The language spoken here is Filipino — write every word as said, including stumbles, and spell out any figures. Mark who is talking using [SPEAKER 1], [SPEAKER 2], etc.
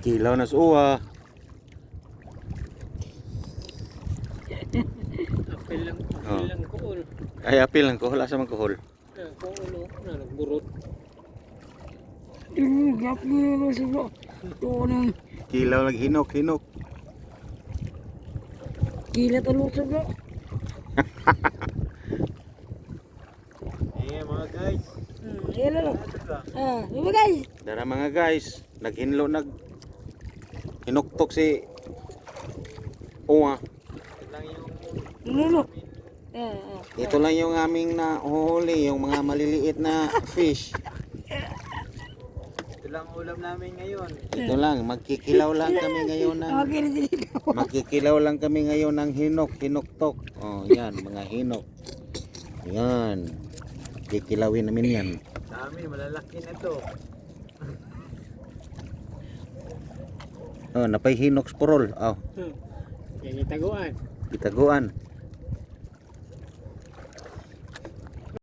[SPEAKER 1] Kilaw na sa uwa.
[SPEAKER 2] Apel lang, apel
[SPEAKER 1] Oh.
[SPEAKER 2] lang kuol.
[SPEAKER 1] Ay, apil lang kuhol. Asa man kuhol?
[SPEAKER 2] Ah, kuol oh, na nagburot.
[SPEAKER 3] Ini gap ni masuk. Tuh nih,
[SPEAKER 1] Kilaw lang hinok, hinok.
[SPEAKER 3] gila telur juga.
[SPEAKER 2] Eh mga guys.
[SPEAKER 3] Hmm, iya lah. Ah, apa guys?
[SPEAKER 1] Dara mga guys, naghinlo nag hinuktok si uwa.
[SPEAKER 2] Lang yung
[SPEAKER 3] Ini lo. Ah, ah.
[SPEAKER 1] Ito lang yung aming nahuli, yung mga maliliit na fish.
[SPEAKER 2] ito lang ulam namin ngayon.
[SPEAKER 1] Ito lang, magkikilaw lang kami ngayon ng
[SPEAKER 3] Oke, di sini.
[SPEAKER 1] magkikilaw lang kami ngayon ng hinok, hinuktok. Oh, yan, mga hinok. Yan. Kikilawin namin yan.
[SPEAKER 2] Dami, malalaki na to.
[SPEAKER 1] Oh, napay hinok sporol. Oh,
[SPEAKER 2] Hmm. Yan yung taguan.
[SPEAKER 1] itaguan.